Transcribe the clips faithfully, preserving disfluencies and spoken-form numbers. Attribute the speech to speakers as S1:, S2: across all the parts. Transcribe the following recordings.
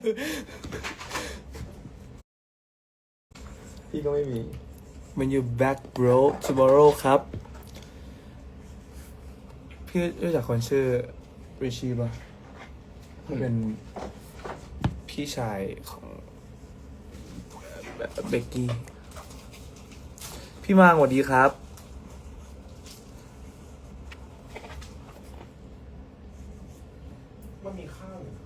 S1: พี่ก็ไม่มี
S2: When you back bro tomorrow ครับ พี่รู้จักคนชื่อริชีป่ะเขาเป็นพี่ชายของเบกกี้ พี่มางสวัสดีครับ
S1: มันมีข้าวอยู่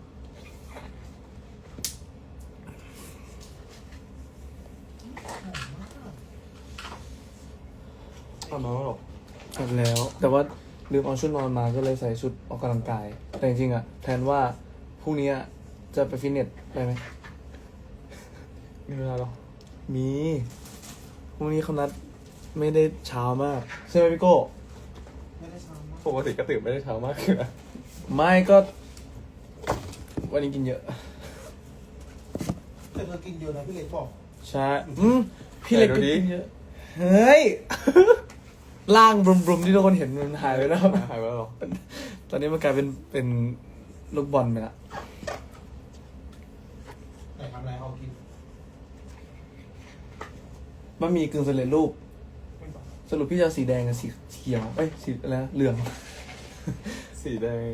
S1: อาบน้ำแล้วหรอ
S2: กลับแล้ว แต่ว่าลืมเอาชุดนอนมาก็เลยใส่ชุดออกกำลังกาย แต่จริงๆอะแทนว่าพรุ่งนี้จะไปฟิตเนสได้ไหม
S1: มีเวลาหรอ
S2: มีพรุ่งนี้เขานัดไม่ได้เช้ามากใช่ไหมพี่โก้
S1: ไม่ได้เช้ามากปกติก็ตื่นไม่ได้เช้ามากเลยนะ
S2: ไม่ก็ วันนี้กินเยอะ
S3: แต่เธอกินเยอะนะพี่เล็กบอก
S2: ใช่อืมพี่เล็กก็กินเยอะ เฮ้ย ร่างบรุมๆที่ทุกคนเห็นมันหายไปแล้ว
S1: หายไปแล้วหรอ
S2: ตอนนี้มันกลายเป็นเป็นลูกบอลไปละ
S3: ไหนทำอะไรเอากิน
S2: บะหมี่กึ่งสำเร็จรูป
S3: ไม่บอก
S2: สรุปพี่จะเอาสีแดงกับสีเขียว เอ้ย สีอะไรนะเหลือง
S1: สีแดง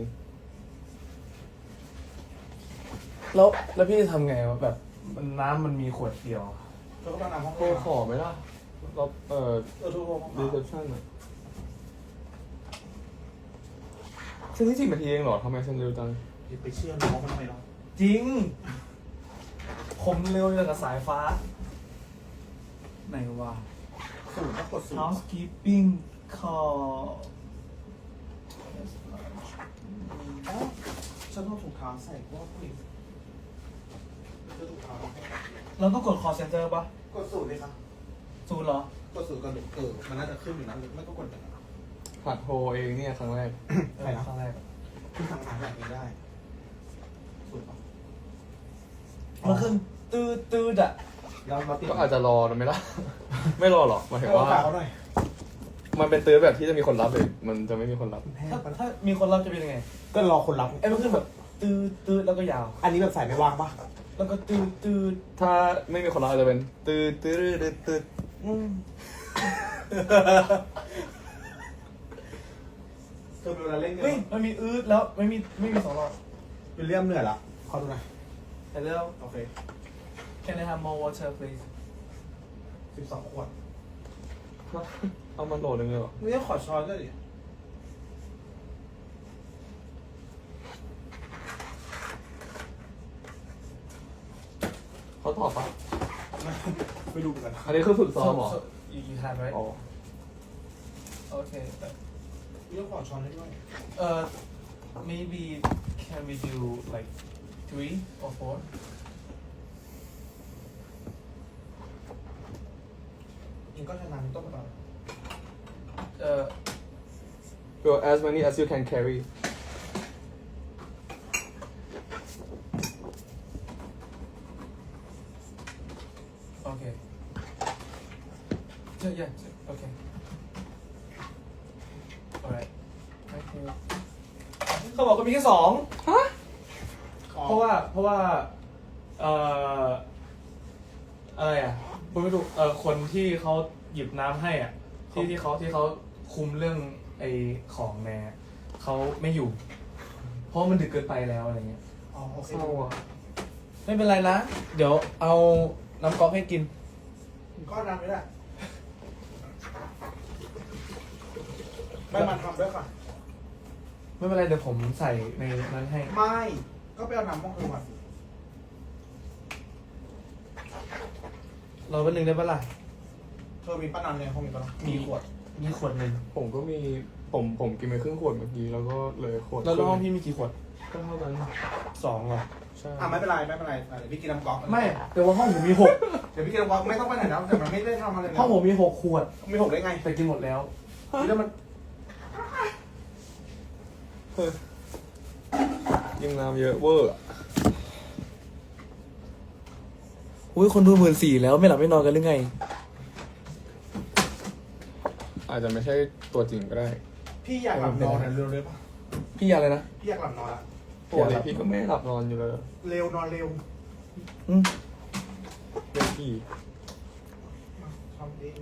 S2: แล้วแล้วพี่จะทำไงวะแบบมันน้ำมันมีขวดเดียว
S3: เธอก็ต้องนำห้อง
S1: โทรขอไหมล่ะเราเอ่อ
S3: เออทุกคน
S1: รีเซพชั่นอะเส้นที่สิบนาทีเองเหรอทำไมเส้นเร็วจัง
S3: ไปเชื่อน้องมันทำไมเนาะ
S2: จริง ผมเร็วอย่างกับสายฟ้า ไหนวะ
S3: สูตรก็กดสูตร
S2: housekeeping call
S3: อ๋อฉันต้องถุงเท้าใส่เพราะว่าผู้หญิงเธอถุงเท้า
S2: เราต้องกด call center ปะ
S3: กดสูตรเลยครับ
S2: ศูนย์เหรอ
S3: กดสูตรกันเออมันน่าจะขึ้นอยู่นะหรือไม่ก็กดอย่างนั้น
S1: หัดโทรเองเนี่ยครั้งแรก
S2: เออครั้งแรก
S3: คุณทำงานแบบนี้ได้สูตรปะ
S2: มันขึ้นตืดตืดอ่ะ
S3: เราเราติด
S1: ก็อาจจะรอนะไม่ล่ะ ไม่รอหรอกหมายถึง
S3: เอา
S1: ว่า
S3: ฝากเขาหน่อย
S1: มันเป็นตื้อแบบที่จะมีคนรับเลยมันจะไม่มีคนรับ
S3: คุณแพ้
S2: ถ้า
S3: ปะ
S2: ถ้ามีคนรับจะเป็นยังไง
S3: ก็รอคนรับ
S2: ไอ้มันขึ้นแบบตืดตืดแล้วก็ยาว
S3: อันนี้แบบใส่ไม่วางปะ
S2: แล้วก็ตืดตืด
S1: ถ้าไม่มีคนรับอาจจะเป็นตื้อตื้อตื้อตื้อ
S2: อืม
S3: เธอเป็นเวลาเล่นกัน
S2: เฮ้ยมันมีอืดแล้วไม่มีไม่มีสองรอบ
S3: เป็นเรื่องเหนื่อยละขอดูหน่อย
S2: แต่เรื่อง
S3: โอเค
S2: Can I have more water please
S3: สิบสองขวด
S1: เอามันโหลดหนึ่งเลยเหรอ
S3: ไม่ต้องขอช้อนด้วยดิ
S1: เขาตอบปะ
S3: ไม่รู้เหมือนกัน
S1: อันนี้คือฝึกซ้อมเหรอ
S2: So, so you you have right
S1: อ๋อ
S2: Okay but
S3: ไม่ต้องขอช้อนให้ด้วย
S2: uh maybe can we do like three or four
S3: ยิงก็ชนะต้มต่อ
S2: uh
S1: Go as many as you can carry
S2: okay yeah yeah okay alright thank you เขาบอกก็มีแค่สองเพราะว่าเพราะว่าเอ่ออะไรอ่ะผมไม่รู้เอ่อคนที่เขาหยิบน้ำให้อ่ะที่ที่เขาที่เขาคุมเรื่องไอ้ของแน่เขาไม่อยู่ เพราะมันดึกเกินไปแล้วอะไรเงี้ย
S3: อ๋อโอเค
S1: เศร้าอ่ะ
S2: ไม่เป็นไรนะ เดี๋ยวเอาน้ำก๊อกให้กิน
S3: ก็นำไม่ได้ไม่มันทำด้วยค่ะ
S2: ไม่เป็นไรเดี๋ยวผมใส่ในนั้นให้
S3: ไม่ ก็ไปเอาน้ำมองเธอมาสิ
S2: เราเป็นหนึ่งได้ปะล่ะ
S3: เธอมีป้านันในห้องมีป้านัน
S2: มีขวด มีขวดหนึ่ง
S1: ผมก็มีผมผมกินไปครึ่งขวดเมื่อกี้แล้วก็เลยขวด
S2: แล้วห้องพี่มีกี่ขวด
S1: ก็เท่านั้น
S2: สองเหรอ
S1: ใช่
S3: อ่ะไม่เป็นไรไม่เป็นไรอ่ะเดี๋ยวพี่กินน้ำก๊อก
S2: ไม่แต่ว่าห้องผมมีหก
S3: เดี๋ยวพี่กินน้ำก๊อกไม่ต้องไปไหนแล้วแต่มันไม่ได้ทำอะไรเลย
S2: ห้องผมมีหกขวด
S3: มีหกได้ไง
S2: แต่กินหมดแล้ว
S3: แล้วมัน
S1: เฮ้ยยิงน้ำเยอะเวอร์อะ
S2: อุ้ยคนดูหมื่นสี่แล้วไม่หลับไม่นอนกันหรือไง
S1: อาจจะไม่ใช่ตัวจริงก็ได้
S3: พี่อยากหลับนอนนะเร็วเลยปะ
S2: พี่อยากอะไรนะ
S3: พี่อยากหลับนอนละ
S1: ปกติพี่ก็ไม่หลับนอนอยู่เลย
S3: เร็วนอนเร็ว
S1: อืมเล่นกี่
S3: ทำเอง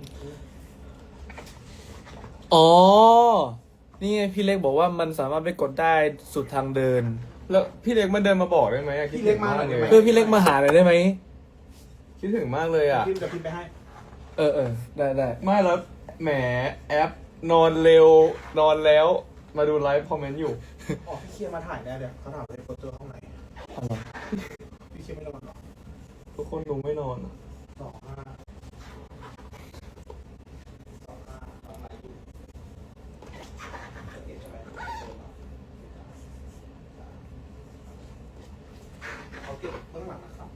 S2: อ๋อ นี่ไงพี่เล็กบอกว่ามันสามารถไปกดได้สุดทางเดิน
S1: แล้วพี่เล็กมาเดินมาบอกได้ไหมอะคิดถึงมากเลย
S2: เพื่อพี่เล็กมาหาหน่อยได้ไหม
S1: คิดถึงมากเลยอ่ะ
S3: พิมพ์จะพิมพ์ไปให้
S2: เออเออได้ได้
S1: ไม่แล้วแหมแอปนอนเร็วนอนแล้วมาดูไลฟ์คอมเมนต์อยู่
S3: อ๋อพี่เคียร์มาถ่ายแน่เดี๋ยวเขาถามเลยโปรเจอร์ห้องไหนพี่เคียร์ไม่นอนหรอ
S1: ทุกคนดูไม่นอนอะ
S3: สองห้าสองห้าสองไหนอยู่เก็บใช่ไหมเขาเก็บเบื้องหลังนะครับ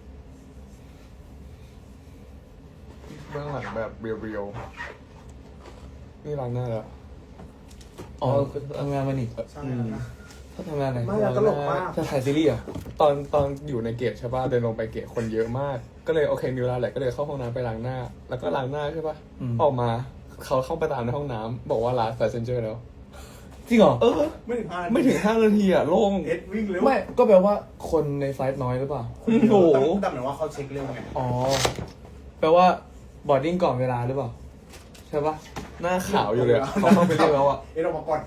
S1: เบื้องหลังแบบเรียวๆนี่ล้างหน้าแล้ว
S2: อ๋อทำงานมานี่
S3: ใช่แล้วนะ
S2: ถ้าทำงานไหน
S3: ไม่อะตลกมาก
S2: จะถ่ายซีรีส์เหรอ
S1: ตอนตอนอยู่ในเกตใช่ป่ะเดินลงไปเกตคนเยอะมาก ก็เลยโอเคมีเวลาแหละก็เลยเข้าห้องน้ำไปล้างหน้า แล้วก็ล้างหน้าใช่ป่ะ
S2: อืม
S1: ออกมาเขาเข้าไปตามในห้องน้ำบอกว่าลาสแฟชั่นเจอร์แล้ว
S2: จริงเหรอ
S1: เออ
S3: ไม่ถึงห้านาที
S1: ไม่ถึงห้านาทีอ่ะโล่ง
S3: เอ็ดวิ่งเร็ว
S2: ไม่ก็แปลว่าคนในไฟล์น้อยหรือเปล่า
S1: โอ้โห
S3: แต่เหมือนว่าเขาเช็คเร็วไง
S2: อ๋อ แปลว่าบอร์ดดิ้งก่อนเวลาหรือเปล่า ใช่ปะ
S1: หน้าขาวอยู่เลยอะเขาเข้าไปเรียกแล้วอ่ะ
S3: เอ็ดออกมาก่อน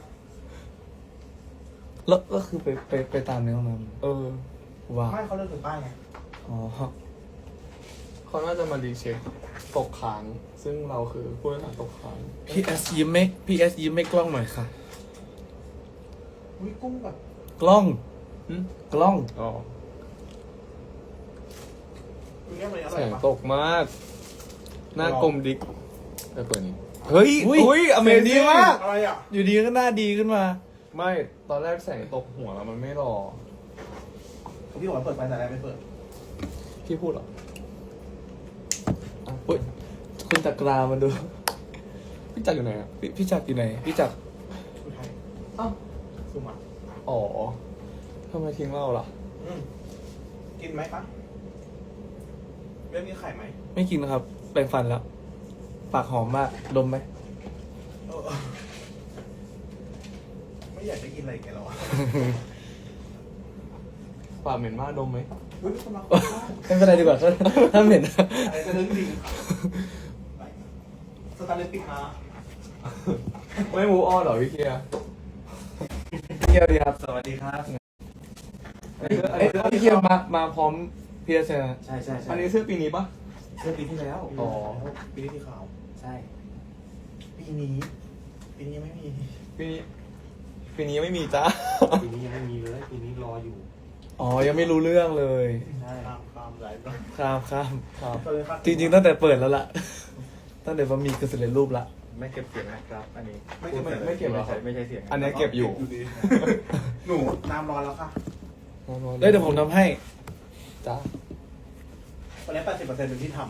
S2: แล้วก็คือไปไปไปตามในห้องน้
S1: เออ
S2: ำว้าว
S3: ไม่เขาเลิกถึงป้ายไง
S2: อ๋อ
S1: เขาน่าจะมารีเช็คตกค้าง ซึ่งเราคือผู้โดยสารตกค้าง
S2: พี่เอสยิ้มไม่พี่เอสยิ้มไม่กล้องหน่อยค่ะ
S3: อุ้ยกุ้งแบบ
S2: กล้อง
S1: หึ
S2: กล้อง
S1: อ๋อ
S3: อุ้ยเนี่ยมันอ
S1: แส
S3: ร่อย
S1: ง
S3: ปะ
S1: ตกมาก หน้ากลมดิกไปเปิดนี้เฮ้ย
S2: อุ๊ย
S1: อุ้ยอเม
S2: เสียงดี
S1: ซิ่ง
S2: มาก
S3: อะไรอ่ะ
S2: อยู่ดีก็หน้าดีขึ้นมา
S1: ไม่ตอนแรกแสงตกหัวแล้วมันไม่รอ
S3: พี่บอกว่าเปิดไฟแต่แรกไม่เปิด
S1: พี่พูดเหรอ
S2: อุ้ยคุณจักรามาดู
S1: พี่จักรอยู่ไหนอ่ะ
S2: พี่พี่จักรอยู่ไหน พี่จักร
S3: คุณไทย
S1: อ้าว
S3: ซูมา
S1: อ๋อทำไมทิ้งเราล่ะ
S3: อืมกินไหมคะเรื่องมีไข่ไหม
S2: ไม่กินนะครับ แปรงฟันแล้ว ปากหอมมาก ดมไหม
S3: เออไม่อยากจะกินอะไรอีกันแล้วอ่ะ
S1: ปากเหม็นมากดมไหม
S3: อุ้ยคนมา
S2: ไม่เป็นไรดีกว่า ถ้าเหม็น
S3: อะไรจะเรื่องจริงสตาร์เลติกมา
S1: ไม่มูอ้อนเหรอพี่เคียร์
S2: เที่ยวดีครับ
S3: สวัสดีครับ
S2: เอ้ยเอ้ยพี่เที่ยวมา มาพร้อมพี่เอสนะ
S3: ใช่ใช่ใช่
S1: อันนี้เสื้อปีนี้ปะ
S3: เมื่อปีที่แล้ว
S1: อ๋อ
S3: ปีที่ขาว
S2: ใช่
S3: ปีนี้ ปีนี้ไม่มี
S1: ปีนี้ปีนี้ไม่มีจ้า
S4: ปีนี้ยังไม่มีเลย ปีนี้รออยู่
S2: อ๋อ ยังไม่รู้เรื่องเลย
S3: ใช่ตามตามหลายรอบ
S2: ข้ามข้าม
S1: ครับ
S3: ก็เลยคาด
S2: จริงๆตั้งแต่เปิดแล้วล่ะ ตั้งแต่บะหมี่กึ่งสำเร็จรูปละ
S4: ไม่เก็บเสียงนะครับ อันนี้
S1: ไม่ไม่ไม่เก็บหรอ
S4: ไม่ใช่ไม่ใช่เสียง
S1: อันนี้เก็บอยู่
S3: ดีหนูน้ำร้อนแล้วค่ะ
S2: เอ้ยเดี๋ยวผมทำให้
S1: จ้า
S3: วันนี้แปดสิบเปอร์เซ็นต์เป็นที่ท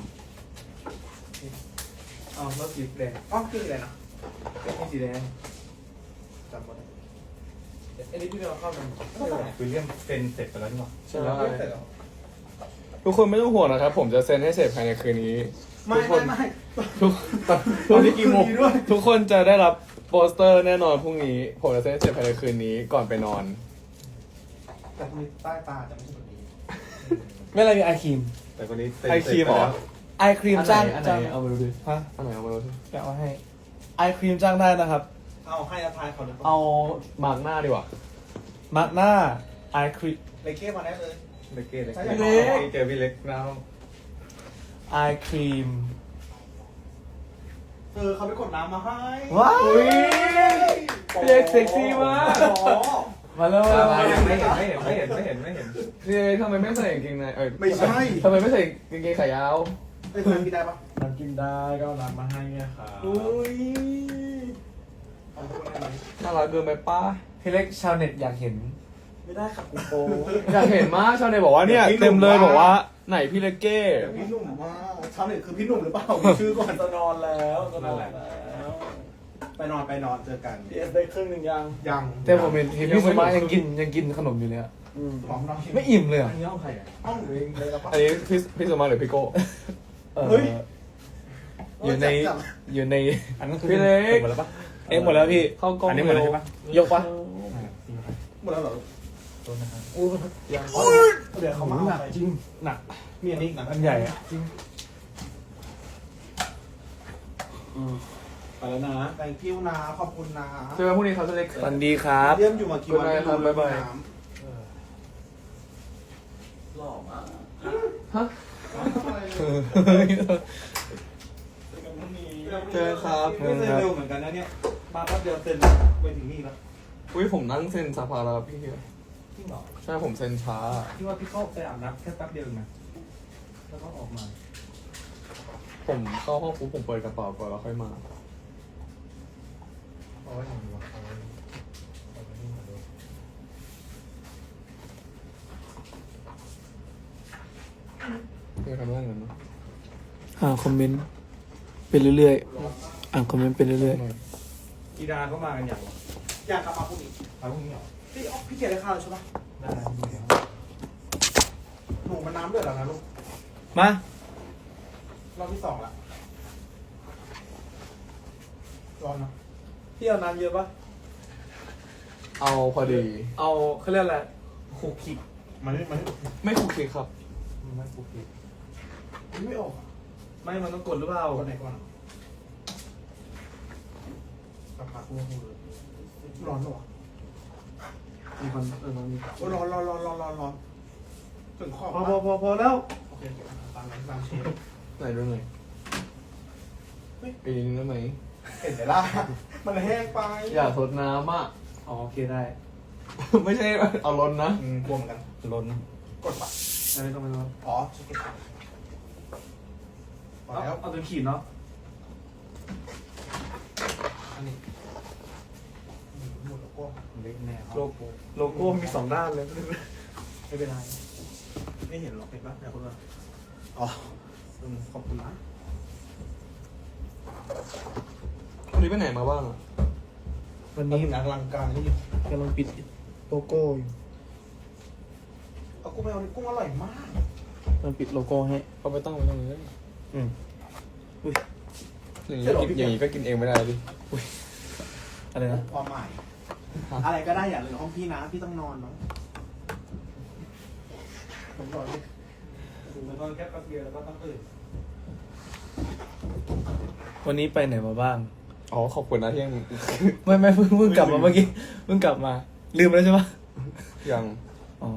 S2: อ๋อรถสีแดง
S3: ำอ๋อคืออะไรนะ
S2: เป็นสีแดง
S3: จำไว้
S2: อันนี้พี่เราเข้ามัน
S4: วิลเลียมเซ็นเสร็จไปแล้วนี่หว่า
S1: ใช่
S3: แล้วเสร็จแล้ว
S1: ทุกคนไม่ต้องห่วงนะครับ ผมจะเซ็นให้เสร็จภายในคืนนี้
S3: ไม่ไม่ไม่
S1: ทุก
S3: ตอนนี้กี่โมงด้วย
S1: ทุกคนจะได้รับโปสเตอร์แน่นอนพรุ่งนี้ ผมจะเซ็นให้เสร็จภายในคืนนี้ก่อนไปนอน
S3: แต่มีใต้ตาจะไม่ใช่แบบนี้
S2: ไม่อะไรมีไอครีม
S4: แต่คนนี้เซ็น
S1: ไอครีมเหรอ
S2: ไอครีมจ้าง
S1: อันไหน
S2: จ้าง
S1: เอามาดูดิ
S2: ฮะ
S1: อันไหนเอามาดูดิ
S2: แกะมาให้ ไอครีมจ้างได้นะครับ
S3: เอาให้อาทายเขาหรือเปล่า
S1: เอามาร์กหน้าดีกว่า
S2: มาร์กหน้า ไอครีม
S3: เลเก้มาได้เลย
S4: เล็กเก้เล็ก
S3: ใช่
S4: เก้
S3: พี่เล็ก
S4: เจอพี่เล็กแล้ว
S2: ไอครีม
S3: เออเขาไปกดน้ำมาให้
S2: ว้าว
S1: อุ๊ย พี่เล็กเซ็กซี่มาก
S3: อ๋อ
S2: มาแล้ว
S4: ไม่เห็นไม่เห็นไม่เห็นไม่เห็นไม่เห็น
S1: นี่ทำไมไม่ใส่กางเกงในเอ้ย
S3: ไม่ใช่
S1: ทำไมไม่ใส่กางเกงขายาว
S3: เป็นคนกินได้ปะ
S4: น้ำกินได้ก็เอาน้ำมาให้เนี่ยค่ะ
S1: อุ้ย
S3: เอาพูดได้ไหม
S1: น่ารักเกินไปป้า
S2: พี่เล็กชาวเน็ตอยากเห็น
S3: ไม่ได้ค่ะกูโป
S1: อยากเห็นมากชาวเน็ตบอกว่าเนี่ย
S3: เดี๋ยวพี่หนุ่ม
S1: เต็มเลย
S3: ว่า
S1: บอกว่าไหนพี่เลกเก้
S3: เดี๋ยวพี่หนุ่มว่าชาวเน็ตคือพี่หนุ่มหรือเปล่ามีชื่อก่อน
S2: จะนอนแล้วจะนอนแล้ว
S3: ไปนอนไปนอนเจอกัน
S2: พีเอสได้ครึ่งหนึ่งยัง
S3: ยัง
S2: แต่ผมเห็นเห็นพี่สมายังกินยังกินขนมอยู่เลยอะ
S3: หอมน้อง
S2: ไม่อิ่มเลยอะ
S4: อันนี้เอาใครอ่ะ
S3: ห้องหรือเองเลยแล้วปะ
S1: อันนี้พี่พี่สมมาหรือพี่โก้
S2: เออ
S3: เฮ้ย
S2: อยู่ในอยู่ใน
S4: อันนั้นคือ
S1: พี่เล็ก
S4: หมดแล้วปะ
S2: เอ็มหมดแล้วพี่
S1: เข้ากล้อง
S4: อันนี้หมดแล้วใช่ปะ
S2: ยกปะ
S3: หมดแล้วเหรอ
S4: ตัวนะครับ
S2: อู้ยัง
S3: เดี๋ยวเขามา
S4: หนั
S3: เอา
S4: ก
S3: ไป
S4: จริง
S2: หนัก
S3: มีอันนี้อีกนะ
S2: อันใหญ่อะจริง
S3: อืมไปแล้วนะ thank you นะ ขอบคุณนะ
S1: เจอกันพรุ่งนี้ครับเล็ก
S2: วันดีครับ
S3: เยี่ยมอยู่มากี่วัน
S1: Good night ครับ
S3: ไม่
S1: บ๊ายบาย
S3: น้
S5: หล่อมาก
S1: ฮะ เจอครับ
S3: ไม่เซ็นเร็วเหมือนกันนะเนี่ย มาแป๊บเดียวเซ็นไปถึงนี่แล้ว
S1: อุ้ยผมนั่งเซ็นสภาแล้วพี่
S3: จริงเหรอ
S1: ใช่ผมเซ็นช้า
S2: พี่ว่าพี่เข้าไปอาบน้ำแค่แป๊บเดียวเองนะแล้วก็ออกมา
S1: ผมเข้าห้องปุ๊บผมเปิดกระเป๋าก่อนแล้วค่อยมา
S4: เอาไว้หนึ่งวะเอาไว้เอาไว้นี่มาดู
S1: เพื่อทำเรื่องเงินเนาะ
S6: อ่านคอมเมนต์ไปเรื่อยๆ อ่านคอมเมนต์ไปเรื่อย
S2: อีดาก็มากันอย่างวะ
S3: อยากกลับมาพรุ่งนี้
S2: เอาพรุ่งนี้เหรอ
S3: พี่อ๋อพี่เกียรติได้ข้าวแล้วใช่ปะ
S2: ได้ดูเดี๋ยว
S3: หนูมันน้ำเดือดแล้วนะลูก
S2: มาร
S3: อบที่สองละร้อนเนอะ
S2: พี่เอาน้ำเยอะปะ
S1: เอาพอดี
S2: เอาเขาเรียกอะไรคุกคิก
S3: มันไม่มันไม่
S1: ไม่คุกคีครับ
S2: ไม่คุกคิก
S3: มันไม่ออกอะ
S2: ไม่มันต้องกดหรือเปล่า
S3: เอาคนไหนก่อนอะกลับมาคู่คู่เลยร้อนเหรอวะ
S2: มีคนเออมันมี
S3: โอ้ร้อนร้อนร้อนร้อนร้อนร้อนถึงขอบ
S2: พอ
S3: ปะ
S2: พอพอพอแล้ว
S3: โอเคโอเคตามนั้นตามเชฟ
S1: ไหนดูหน่อย
S3: เฮ้ย
S1: ปีนึงได้ไหม
S3: เห็นไหมล่ะ มันแห้งไป
S1: อย่าทดน้ำอ่ะ
S2: อ๋อโอเคได้
S1: ไม่ใช่เอาล้นนะ
S3: อืมกลัวเหมือนกัน
S2: ล้น
S3: กดปะ
S2: ไม่ต้องไม่ต้อง
S3: อ๋อชิคกี้พายพอ
S2: เอา
S3: แล้ว
S2: เอาตัวขีดเนาะ
S3: อันนี้อืมหมดแล้วก็
S2: เล็กแน่โลโก้โลโก้มีสองด้านเลย
S3: ไม่เป็นไร ไม่เห็นหรอกเห็นปะเนี่ยคุณว่าอ๋ออืมขอบคุณนะ
S1: วันนี้ไปไหนมาบ้างอ่ะ
S6: ๆ วัน
S3: นี่
S6: นี้
S3: หนังอลังการนี่อยู่
S6: กำลังปิดโลโก้อยู่
S3: เอากุ้งไปเอากุ้งอร่อยมาก
S6: กำลังปิดโลโก้ให้
S1: เขาไปตั้งไว้ตรงนี้
S6: อืม
S1: อย่างนี้ก็กินอย่างนี้ก็กินเองไม่ได้ดิ
S6: อะไรนะ
S3: ความหมาย อะไรก็ได้อย่าเลยห้องพี่นะ พี่ต้องนอนเนาะผมบอกเลยดูมันนอนแค่แป๊บเดียวแล้วก็ต้องตื่น
S6: วันนี้ไปไหนมาบ้าง
S1: อ๋อขอบคุณนะที่ยัง
S6: ไม่ไม่เพิ่งเพิ่งกลับมาเมื่อกี้ เพิ่งกลับมา ลืมไปแล้วใช่ปะ
S1: ยัง
S6: อ๋อ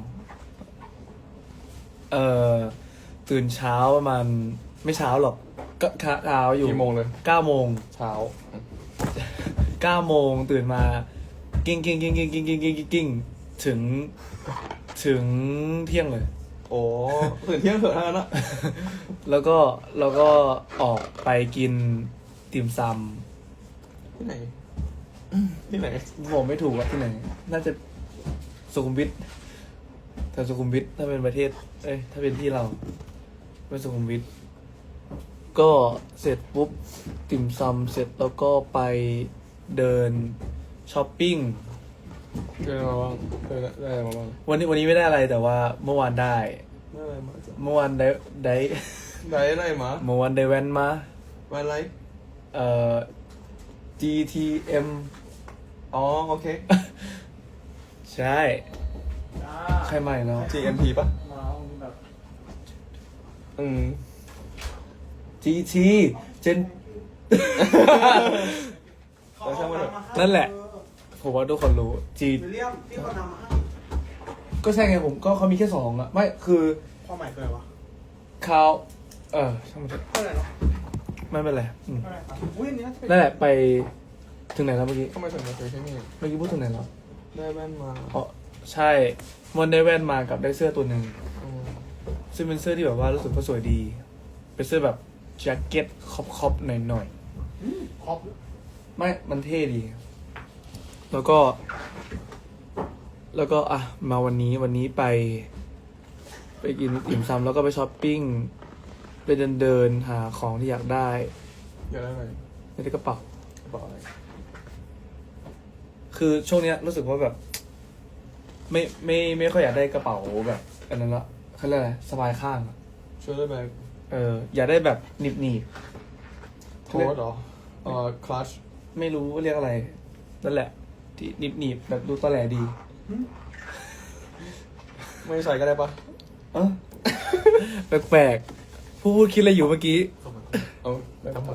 S6: เอ่อ ตื่นเช้าประมาณไม่เช้าหรอก ก็เช้าอยู่
S1: กี่โมงเลย
S6: เก้าโมง
S1: เช้า
S6: เก้าโมงตื่นมา กิ้งกิ้งกิ้งกิ้งกิ้งกิ้งกิ้งกิ้งกิ้งถึง ถึงเที่ยงเลย
S1: โอ้ตื่นเที่ยงเถอะทั้งนั้นอะ
S6: แล้วก็แล้วก็ออกไปกินติ่มซ
S1: ที่ไหน ที่ไหน
S6: ำผมไม่ถูกว่าที่ไหน น่าจะสุขุมวิทแถวสุขุมวิทถ้าเป็นประเทศ เอ้ย ถ้าเป็นที่เราเป็นสุขุมวิทก็เสร็จปุ๊บ ติ่มซำเสร็จแล้วก็ไปเดินช้อปปิ้ง
S1: เจอมาบ้างเจอได้อะไรมาบ้าง
S6: วันนี้วันนี้ไม่ได้อะไรแต่ว่าเมื่อวานได้
S1: ได้อะไรมาจ้ะ
S6: เมื่อวานได้ได้
S1: ได้อะไรมา
S6: เมื่อวานได้แว่นมา
S1: วันไร
S6: เอ่อ จี ที เอ็ม
S1: อ๋อโอเค
S6: ใช่ ใช่ไหมแล้ว
S1: จี เอ็ม พี ป่ะ
S2: มาแบบ
S1: อืม
S6: จี ที เจน
S3: เขาเอาน้ำมาให้
S6: นั่นแหละ ผมว่าทุกคนรู้ จี
S3: วิลเลียมพี่เขานำมาให้
S6: ก็ใช่ไงผมก็เขามีแค่สองอะไม่คือ
S3: ความหมายคืออะไรวะ
S6: เขาเออช่างมันเถอะ
S3: เท่าไหร่เนาะ
S6: ไม่เป็นไรอืม
S3: เท่าไหร่ครับอุ้ยอันนี้น่าจะเป็น
S6: นั่นแหละไปถึงไหนแล้วเมื่อกี้
S1: ทำไมถึงมาซื้อที่นี่
S6: เมื่อกี้พูดถึงไหนแล้ว
S1: ได้แว่นมา
S6: อ๋อใช่มันได้แว่นมากับได้เสื้อตัวหนึ่ง
S1: อืม
S6: ซึ่งเป็นเสื้อที่แบบว่ารู้สึกว่าสวยดี เป็นเสื้อแบบแจ็คเก็ตคอปคอปหน่อยหน่อย
S3: ครอบ
S6: ๆไม่มันเท่ดี แล้วก็ แล้วก็อ่ะมาวันนี้วันนี้ไป ไปกินอิ่มซำแล้วก็ไปช้อปปิ้งไปเดินเดินหาของที่อยากได้
S1: อยากได้อะไร
S6: ในกระเป๋า
S1: กระเป๋าอะไร
S6: คือช่วงเนี้ยรู้สึกว่าแบบ ไม่ไม่ไม่ค่อยอยากได้กระเป๋าแบบอันนั้นละเขาเรียกอะไรสบายข้างอะ
S1: ช่วยได้ไหม
S6: เอออยากได้แบบหนีบหนีบ
S1: โทษเหรอเอ่อคลัช
S6: ไม่รู้ว่าเรียกอะไรนั่นแหละที่หนีบหนีบแบบดูตอแหลดี
S1: ไม่ใส่ก็ได้ปะ
S6: เอ้าแปลกๆผู้พูดคิดอะไรอยู่เมื่อกี้
S1: เอาได้ทั้งหมด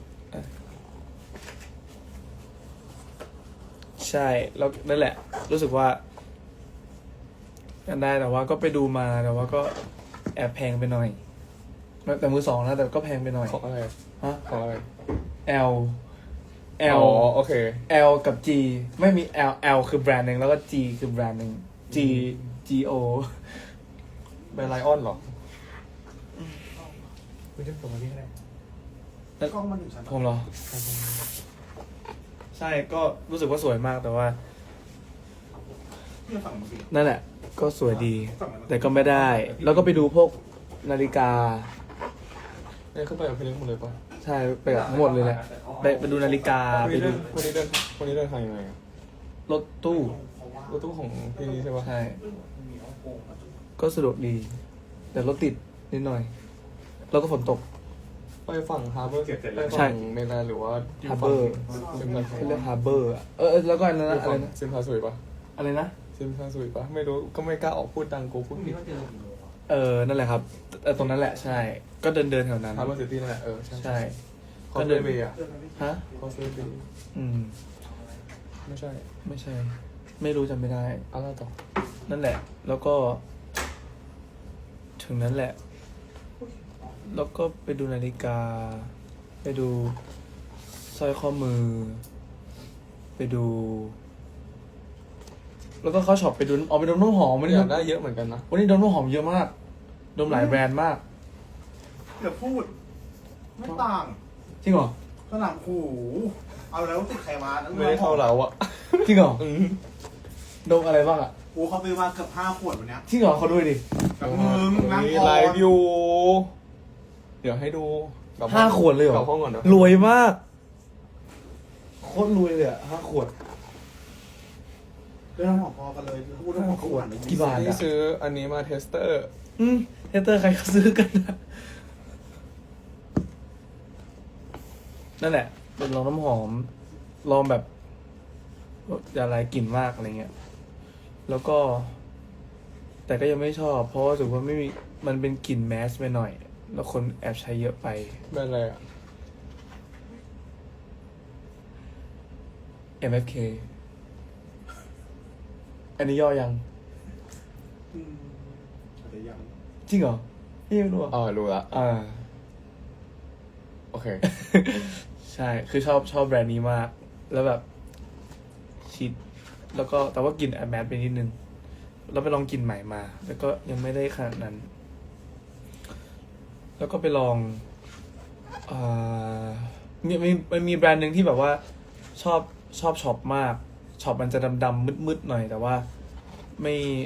S6: ใช่แล้วนั่นแหละ รู้สึกว่ากันได้แต่ว่าก็ไปดูมาแต่ว่าก็แอบแพงไปหน่อย แต่มือสองนะแต่ก็แพงไปหน่อย
S1: ของอะไร
S6: ฮะ
S1: ของอะไร
S6: L
S1: อ๋
S6: L
S1: อโอเค
S6: L กับ G ไม่มี L L คือแบรนด์หนึ่งแล้วก็ G คือแบรนด์หนึ่ง G G O
S1: แบรนด์ไลออนเหรอ
S4: คุณจะส่งมาที่ไหน
S3: กล้องมันถึงชั้น
S6: ผมเหรอ ใช่ก็รู้สึกว่าสวยมากแต่ว่า
S3: ที่ฝั่งมันสิ
S6: นั่นแหละ ก็สวยดี
S3: ฝั่งมัน
S6: แต่ก็ไม่ได้ แล้วก็ไปดูพวกนาฬิกา
S1: เนี่ยขึ้นไปกับพี่เล็กหมดเลยปะ
S6: ใช่ไปกับทั้งหมดเลยแหละไปไปดูนาฬิกา
S1: วัน
S6: ไป
S1: นี้
S6: ดู
S1: เดินวันนี้เดินวันนี้เดินทางยังไงอะ
S6: รถตู้
S1: รถตู้ของพี่นี่ใช่ปะ
S6: ใช่ ก็สะดวกดี แต่รถติดนิดหน่อย แล้วก็ฝนตก
S1: ไปฝั่งฮาร์เบอร์ไป
S6: ใช่
S1: ฝั่งเมลาหรือว่า
S6: ฮาร์เบอร์
S1: ซิมพา
S6: เขาเรียกฮาร์เบอร์อะเออเออแล้วก็อันนั้นนะอะไรนะ
S1: ซิมพาสุยปะ
S6: อะไรนะ
S1: ซิมพาสุยปะไม่รู้ก็ไม่กล้าออกพูดดังกูพูดผิด
S6: เออ นั่นแหละครับเออตรงนั้นแหละ ใช่ ก็เดินเดินแถวนั้น
S1: ฮาร์เบอร์ซิตี้นั่นแหละเออใช่
S6: ใช่
S1: คอสเวย์เบย์อะ
S6: ฮะ
S1: คอสเวย์เบย์
S6: อืม
S1: ไม่ใช่
S6: ไม่ใช่ ไม่รู้จำไม่ได้
S1: อะไรต่อ
S6: นั่นแหละ แล้วก็ ถึงนั้นแหละ แล้วก็ไปดูนาฬิกา ไปดูสร้อยข้อมือ ไปดู แล้วก็เข้าช็อปไปดูเอาไปดมน้ำหอมวันนี้
S1: อยากได้เยอะเหมือนกันนะ
S6: วันนี้ดมน้ำหอมเยอะมาก ดมหลายแบรนด์มาก
S3: เดี๋ยวพูด ไม่ต่าง
S6: จริงเหรอ
S3: สนามหูเอาแล้วติดใครมานั่น
S1: ไม่ได้เท่าเราอะ
S6: จริงเหรอ
S1: อืม
S6: ดมอะไรบ้างอ่ะ
S3: โอ้เขาซื้อมาเกือบห้าขวดวันเนี้ย
S6: จริงเหรอเขาด้วยดิ
S3: กับมึงนั่ง
S1: มี
S3: ก่อ
S1: ไล
S3: น
S1: ฟ์อยู่ เดี๋ยวให้ดูกลับ
S6: ห้าขวดเลยเหร
S1: กลั
S6: อบ
S1: ห้องก่อนเนอะ
S6: รวยมาก โคตรรวยเลยอ่ะห้าขวด
S3: เรื่องน้ำหอมพอกันเลยพูดเรื่องของขวด
S6: กี่บาท
S1: ที่ซื้ออันนี้มาเทสเตอร์
S6: อืมเฮเตอร์ใครเขาซื้อกันนะนั่นแหละ เป็นลองน้ำหอม ลองแบบอย่าอะไรกลิ่นมากอะไรเงี้ย แล้วก็ แต่ก็ยังไม่ชอบ เพราะว่ารู้สึกว่าไม่มี มันเป็นกลิ่นแมสไปหน่อย แล้วคนแอบใช้เยอะไป
S1: แบรนด์อะไรอะ
S6: เอ็ม เอฟ เค อันนี้ย่อยัง
S3: อืมแต่ยัง
S6: จริงเหรอพี่ไม่รู้อ่ะ
S1: อ๋อรู้ละ
S6: อ่า
S1: โอเค
S6: ใช่ คือชอบชอบแบรนด์นี้มาก แล้วแบบชิด แล้วก็แต่ว่ากลิ่นแอบแมสไปนิดนึง แล้วไปลองกลิ่นใหม่มา แล้วก็ยังไม่ได้ขนาดนั้น แล้วก็ไปลองอ่ามีมีมันมีแบรนด์หนึ่งที่แบบว่าชอบชอบช็อปมาก ช็อปมันจะดำๆมืดๆหน่อย แต่ว่าไม่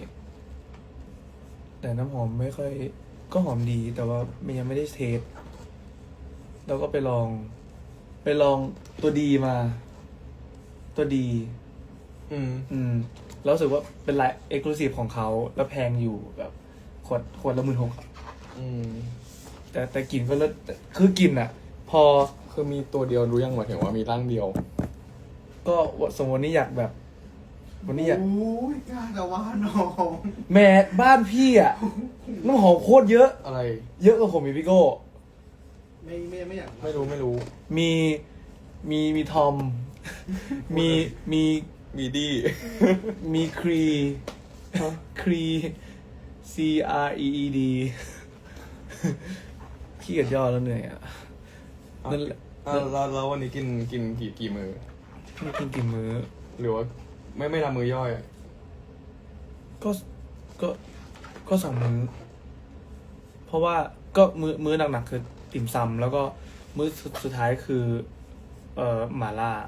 S6: แต่น้ำหอมไม่ค่อย ก็หอมดี แต่ว่ามันยังไม่ได้เทส แล้วก็ไปลอง ไปลองตัวดีมา ตัวดี
S1: อืม
S6: อืม แล้วรู้สึกว่าเป็นไลน์เอ็กซ์คลูซีฟของเขา แล้วแพงอยู่แบบขวดขวดละหมื่นหก
S1: อืม
S6: แต่แต่กลิ่นก็เลิศแต่คือกลิ่นอ่ะ พอ
S1: คือมีตัวเดียวรู้ยังหมายถึงว่ามีร่างเดียว
S6: ก็สมมติวันนี้อยากแบบ วันนี้อยาก
S3: โอ้ยกล้าแต่ว่าน้อง
S6: แม่บ้านพี่อ่ะน้ำหอมโคตรเยอะ
S1: อะไร
S6: เยอะกว่าผมอีกพี่โก้
S3: ไม่ไม่ไม่อยาก
S1: ไม่รู้ไม่รู้
S6: มีมีมีทอม มีมี
S1: มีดี
S6: มีครีครี C R E E D ขี้เกียจย่อแล้วเหนื่อยอ่ะ นั่นแหละ
S1: อ่ะแล้วแล้ววันนี้กินกินกี่กี่มือ
S6: ไม่กินกี่มื้อ
S1: หรือว่าไม่ไม่ทำมือย่อยอะ
S6: ก็ก็ก็สองมื้อ เพราะว่าก็มื้อมื้อหนักๆคือติ่มซำแล้วก็มื้อสุดสุดท้ายคือ เอ่อหม่าล่า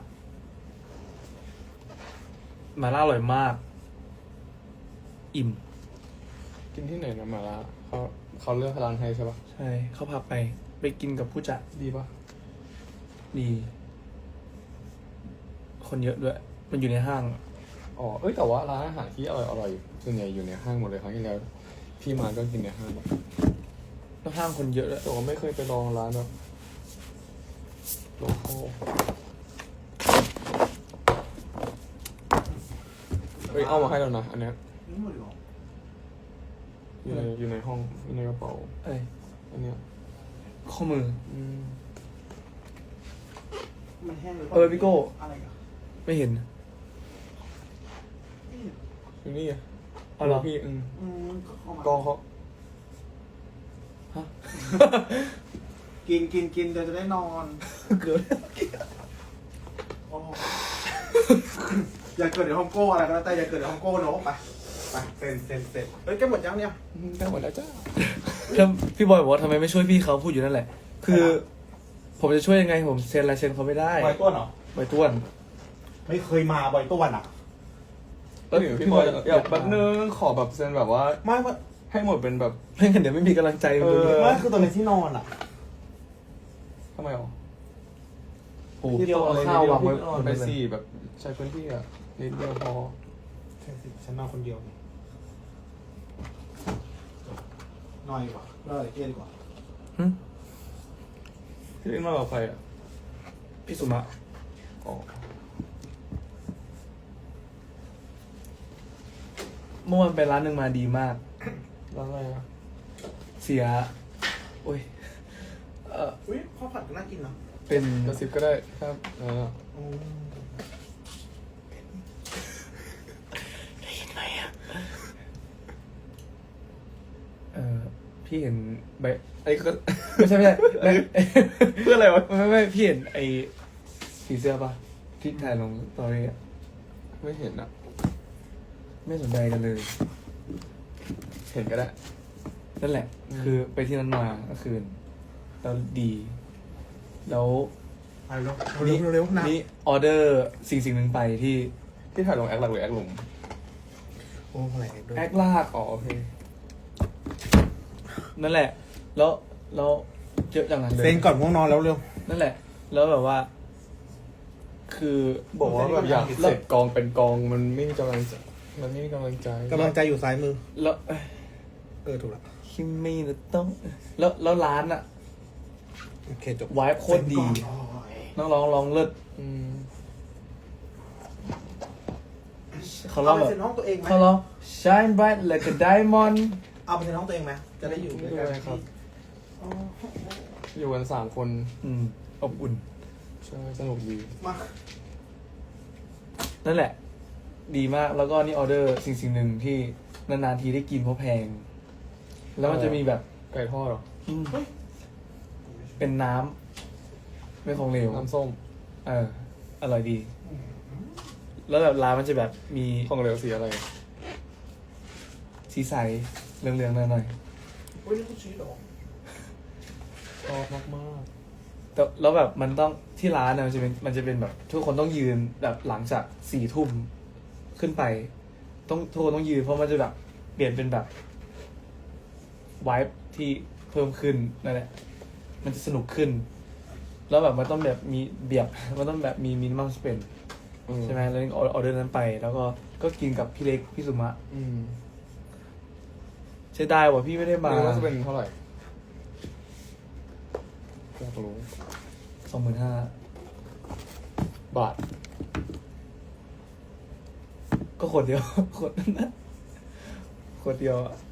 S6: หม่าล่าอร่อยมาก อิ่ม
S1: กินที่ไหนนะมาละเขาเขาเลือกร้านให้ใช่ปะ
S6: ใช่ เขาพาไป ไปกินกับผู้จัด
S1: ดีปะ
S6: ดี คนเยอะด้วย มันอยู่ในห้าง
S1: อ๋อเอ้ยแต่ว่าร้านอาหารที่อร่อยอร่อยส่วนใหญ่อยู่ในห้างหมดเลยครั้งที่แล้วพี่มาก็กินในห้าง
S6: แล้วห้างคนเยอะด้วย
S1: แต่ว่าไม่เคยไปลองร้านแบบโลคอลเฮ้ยเอามาให้แล้วนะอันเนี้ย
S3: นี่หมดเลยเหรอ
S1: อยู่ในอยู่ในห้องอยู่ในกระเป๋า
S6: เอ้ย
S1: อันเนี้ย
S6: ข้อมือ
S1: อืม
S3: มันแห้งหรือเป
S6: เอ
S3: ล่า
S6: อพี่โก้
S3: อะไรกัน
S6: ไม่เห็น
S1: อยู่นี่ไง
S6: อ๋อเหรอ
S1: พี่อืม
S3: อืมก็เข้ามาก
S1: องเขา
S6: ฮะ
S3: กินกินกินเดี๋ยวจะได้นอน
S6: เกิด
S3: โอ้โหอย่าเกิดในฮ่องโก้อะไรก็แล้วแต่อย่าเกิดในฮ่องโก้เนอะไปไปเซ็นเซ็นเซ็นเฮ้ยแกหมดยังเนี่ย
S1: ได้หมดแล้วจ้า
S6: แล้วพี่บอยบอกว่าทำไมไม่ช่วยพี่เขาพูดอยู่นั่นแหละ คือ ผมจะช่วยยังไงผมเซ็นลายเซ็นเขาไม่ได้
S3: บอยต้วนเหรอ
S6: ใบต้วน
S3: ไม่เคยมาบอยต้วนอ่ะ
S1: เออพี่บอยอยากแป๊บนึงขอแบบเซ็นแบบว่า
S3: ไม่ไม่
S1: ให้หมดเป็นแบบ
S6: ไม่งั้นเดี๋ยวไม่มีกำลังใจ
S1: เออ
S3: ไม่คือตรงในที่นอนอ่ะ
S1: ทำไมอ๋อ
S6: โอ้โหพี่เอาข้าววางไว้
S1: นอนไปสี่แบบใช้พื้นที่อ่ะนิดเดียวพอ
S3: ใช่สิฉันนอนคนเดียวนี่นอนดีกว่าเล่าอะไรเที่ยงดีกว่า
S6: หึ
S1: พี่เล่นมากกับใครอ่ะ
S6: พี่สุมะ
S1: อ๋อ
S6: เมื่อวานไปร้านหนึ่งมาดีมาก
S1: แล้วอะไรอ่ะ
S6: เสีย โอ้ย เออ
S3: อุ้ยข้าวผัดก็น่ากินเนาะ
S6: เป็น
S1: กระซิบก็ได้ครับเออ
S3: อืม
S6: เออพี่เห็นใบ
S1: ไอ้ก็
S6: ไม่ใช่ไม่ใช่ไม่
S1: เพื่ออะไรวะ
S6: ไม่ไม่ไม่พี่เห็นไอ้ผีเสื้อปะที่ถ่ายลงตอรี่อะ
S1: ไม่เห็นอ่ะ
S6: ไม่สนใจกันเลย
S1: เห็นก็ได้
S6: นั่นแหละ
S1: อืม
S6: คือไปที่นั้นมาเมื่อคืนแล้วดี แล้ว
S3: ไปเร็วเร็วเร็วเร็วนะ
S6: นี่ออเดอร์สิ่งสิ่งหนึ่งไปที่
S1: ที่ถ่ายลงแอคหลักหรือแอคหลุม
S3: โอ้แหลกด้วย
S6: แอคลาก
S1: อ๋อโอเค
S6: นั่นแหละ แล้วแล้วเยอะอย่างนั้นเลย
S3: เซ็นก่อนง่วงนอนแล้วเร็ว
S6: นั่นแหละ แล้วแบบว่า คือ
S1: บอกว่าแบบอยากเสร็จกองเป็นกองมันไม่มีกำลังใจมันไม่มีกำลังใจ
S3: กำลังใจอยู่ซ้ายมือ
S6: แล้ว
S3: เออถูกละ
S6: คิมมี่นะต้อง แล้วแล้วร้านอะ
S3: โอเคจบ
S6: วายโคตรดีน้องร้องร้องเลิศ
S1: อืม
S6: เขาร้
S3: เอา
S6: อง
S3: ไป
S6: แบบ
S3: เซ็นห้องตัวเองไหม
S6: เขาร้อง shine bright like a diamond
S3: เอาไปเซ็นห้องตัวเองไหมจะได้อยู่ด้วยกันที่อ๋อ
S1: อยู่กันสามคน
S6: อืมอบอุ่น
S1: ใช่สนุกดี
S3: มา
S6: นั่นแหละ ดีมากแล้วก็นี่ออเดอร์สิ่งสิ่งหนึ่งที่นานๆทีได้กินเพราะแพง แล้วมันจะมีแบบ
S1: ไก่ทอดเหรอ
S6: อืมเป็นน้ำไม่ของเหลว
S1: น้ำส้ม
S6: เออ อร่อยดี แล้วแบบร้านมันจะแบบมี
S1: ของเหลวสีอะไร
S6: สีใสเหลืองๆหน่อย
S3: อุ้ยนี่คุณชี้เหรอ
S1: ชอบมากมาก
S6: ๆแต่แล้วแบบมันต้องที่ร้านนะมันจะเป็นมันจะเป็นแบบ ทุกคนต้องยืนแบบหลังจากสี่ทุ่มขึ้นไป ต้องทุกคนต้องยืนเพราะมันจะแบบเปลี่ยนเป็นแบบวายที่เพิ่มขึ้นนั่นแหละ มันจะสนุกขึ้น แล้วแบบมันต้องแบบมีเบียบ มันต้องแบบมีมินิมัมสเปน
S1: อื
S6: ใช่ไหมแล้วออเดอร์นั้นไป แล้วก็ก็กินกับพี่เล็กพี่สุมะ
S1: อืม
S6: ใช่ได้ว่าพี่ไม่ได้มา
S1: ไม่รู้ว่าจะเป็นเท่าไหร่อยากรู้
S6: สองหมื่นห้า
S1: บาท
S6: ก็ขวดเดียว ขวดนั้นนะขวดเดียวอะ